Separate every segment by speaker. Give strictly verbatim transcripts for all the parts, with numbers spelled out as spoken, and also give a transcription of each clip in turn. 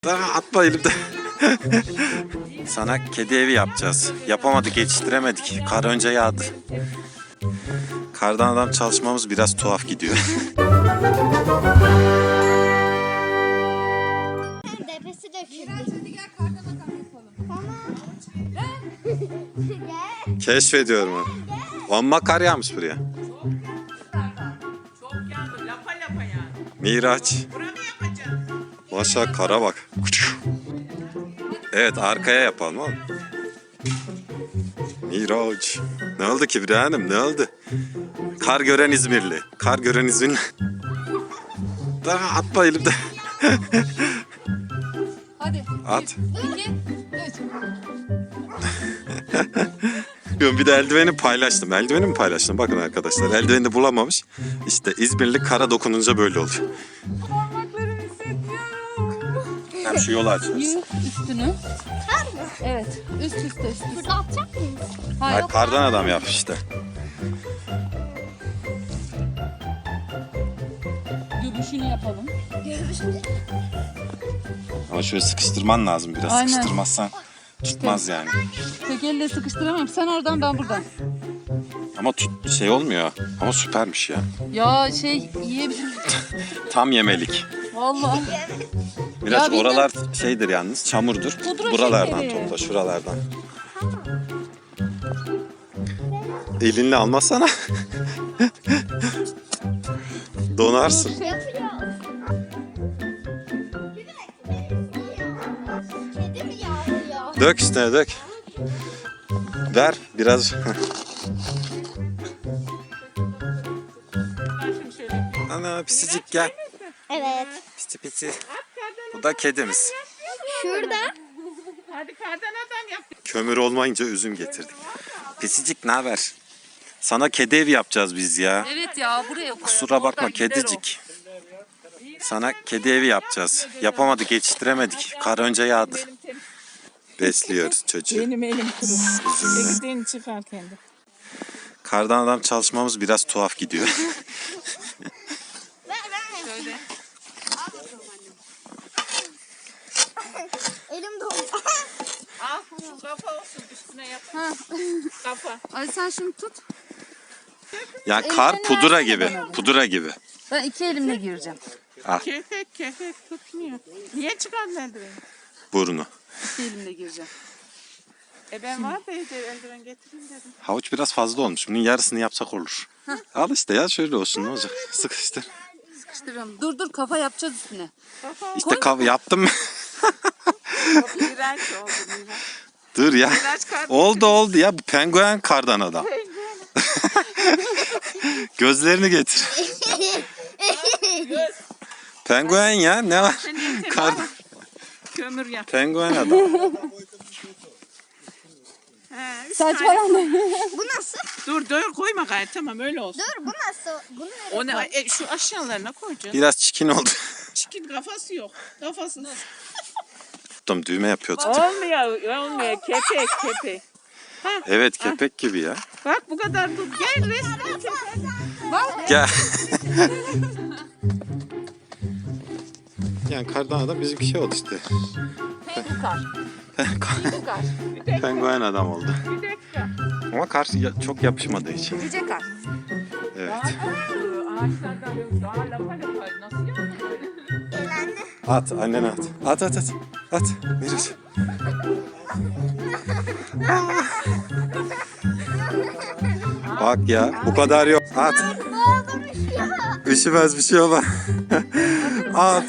Speaker 1: Daha atma elimde. Sana kedi evi yapacağız. Yapamadık, yetiştiremedik. Kar önce yağdı. Kardan adam çalışmamız biraz tuhaf gidiyor.
Speaker 2: Depesi döküldü. Hadi gel kardan adam yapalım. Tamam.
Speaker 1: Keşfediyorum onu. Amma kar yağmış buraya.
Speaker 3: Çok yandı. Lapa lapa yani.
Speaker 1: Miraç.
Speaker 3: Buna mı yapacağız?
Speaker 1: Maşallah kara bak. Evet, arkaya yapalım oğlum. Miraç. Ne oldu Kibriyan'ım, ne oldu? Kar gören İzmirli. Kar gören İzmirli. Daha atma elimde.
Speaker 4: Hadi.
Speaker 1: At.
Speaker 4: İki, üç.
Speaker 1: Bir de eldiveni paylaştım. Eldiveni mi paylaştım? Bakın arkadaşlar. Eldiveni de bulamamış. İşte İzmirli kara dokununca böyle oluyor.
Speaker 4: Parmaklarımı hissediyorum.
Speaker 1: Hem şu yolu açarız.
Speaker 4: Yürü üstünü.
Speaker 2: Kar mı?
Speaker 4: Evet. Üst üste üst üste.
Speaker 2: Burada atacak mıyız?
Speaker 4: Hayır.
Speaker 1: Hayır, kardan adam yap işte.
Speaker 4: Göbüşünü yapalım.
Speaker 1: Ama şöyle sıkıştırman lazım biraz.
Speaker 4: Aynen.
Speaker 1: Sıkıştırmazsan tutmaz yani.
Speaker 4: Tek elle sıkıştıramam. Sen oradan, ben buradan.
Speaker 1: Ama tut, şey olmuyor. Ama süpermiş ya.
Speaker 4: Ya şey yiyebilirim.
Speaker 1: Tam yemelik.
Speaker 4: Vallahi.
Speaker 1: Biraz
Speaker 4: Ya bildim.
Speaker 1: oralar şeydir yalnız, çamurdur.
Speaker 4: Pudra
Speaker 1: Buralardan
Speaker 4: şekeri.
Speaker 1: topla, şuralardan. Elinle almazsana. Donarsın.
Speaker 2: Yapıyoruz. Kedi mi yağlıyor?
Speaker 1: Dök üstüne dök. Ver biraz.
Speaker 3: Şimdi şöyle.
Speaker 1: Ana pisicik gel.
Speaker 2: Evet.
Speaker 1: Pisi pisi. Bu da kedimiz.
Speaker 2: Şurada.
Speaker 3: Hadi kardan adam yap.
Speaker 1: Kömür olmayınca üzüm getirdik. Pisicik ne haber? Sana kedi evi yapacağız biz ya.
Speaker 4: Evet ya, buraya koy.
Speaker 1: Kusura bakma kedicik. Sana kedi evi yapacağız. Yapamadık, yetiştiremedik. Kar önce yağdı. Besliyoruz çocuğu.
Speaker 3: Benim elim kuru.
Speaker 1: Üzümle.
Speaker 3: Ektiğini çıkar kendi.
Speaker 1: Kardan adam çalışmamız biraz tuhaf gidiyor.
Speaker 3: Şöyle.
Speaker 2: Elim dolu.
Speaker 3: Al. Kafa olsun. Üstüne yap.
Speaker 4: Ha.
Speaker 3: Kafa.
Speaker 4: Ay sen şunu tut.
Speaker 1: Ya kar
Speaker 4: Elini
Speaker 1: pudra
Speaker 4: versene
Speaker 1: gibi.
Speaker 4: bana.
Speaker 1: Pudra gibi.
Speaker 4: Ben iki elimle gireceğim.
Speaker 1: Al
Speaker 3: Kefek kefek tutmuyor. Niye çıkardın eldiveni?
Speaker 1: burnu.
Speaker 4: İki elimle gireceğim.
Speaker 3: E ben var da evde eldiven getireyim dedim.
Speaker 1: Havuç biraz fazla olmuş. Bunun yarısını yapsak olur. Al işte ya, şöyle olsun, ne olacak? Sıkıştır.
Speaker 4: Sıkıştırıyorum. Dur dur, kafa yapacağız üstüne.
Speaker 3: Kafa
Speaker 1: İşte kav yaptım.
Speaker 3: iğrenç oldu Miraç.
Speaker 1: Dur ya.
Speaker 3: Miraç kardan.
Speaker 1: Oldu oldu ya. Bu penguen kardan adam. Gözlerini getir. Penguen ya, ne var?
Speaker 3: Sen yeter.
Speaker 1: Kardan.
Speaker 3: Kömür yap.
Speaker 1: Penguen adam.
Speaker 3: He, üç
Speaker 4: Saçmalama.
Speaker 2: Bu nasıl?
Speaker 3: Dur dur koyma gayet, tamam öyle olsun.
Speaker 2: Dur bu nasıl? Bunu nereye
Speaker 3: O ne?
Speaker 2: koy?
Speaker 3: E, şu aşağılarına koyacağız.
Speaker 1: Biraz çikin oldu.
Speaker 3: Çikin kafası yok. Kafası
Speaker 1: Tuttum, düğme yapıyorduk.
Speaker 3: olmuyor, olmuyor. Kepek, kepek.
Speaker 1: Evet, kepek gibi ya.
Speaker 3: Bak bu kadar tut. Gel resmen çek.
Speaker 1: Gel. Yani kardan adam bizimki şey oldu işte.
Speaker 4: Kar. Kar.
Speaker 1: Penguen adam oldu.
Speaker 3: Bir dakika.
Speaker 1: Ama kar ya- çok yapışmadığı için.
Speaker 4: Yüce kar.
Speaker 1: Evet.
Speaker 3: Ağaçlardan böyle daha lapa lapa nasıl yapıyor?
Speaker 1: At, annene at. At at at. At. Miraç. Bak ya, bu kadar yok. At. Üşümez, bir şey olmaz. At.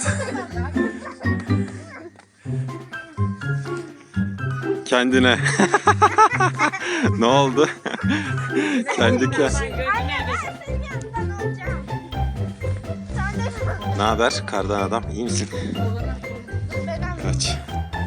Speaker 1: Kendine. Ne oldu? Kendi kendine. Ne haber kardan adam? İyi misin? Kaç.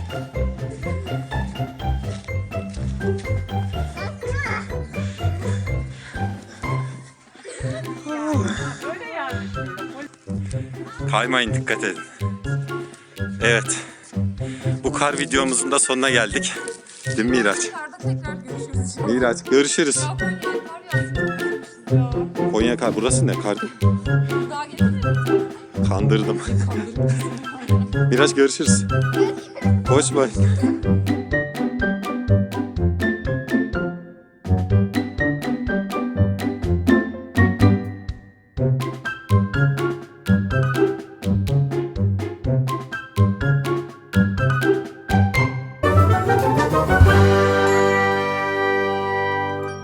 Speaker 3: Öyle yani.
Speaker 1: Kaymayın, dikkat edin. Evet. Bu kar videomuzun da sonuna geldik. Değil mi Miraç?
Speaker 4: Karda tekrar görüşürüz.
Speaker 1: Miraç, görüşürüz.
Speaker 4: Daha Konya'ya kar yağsın.
Speaker 1: Konya kar, burası ne kar?
Speaker 4: Daha getirelim.
Speaker 1: Kandırdım.
Speaker 4: Kandırdım.
Speaker 1: Miraç görüşürüz. Koş bay.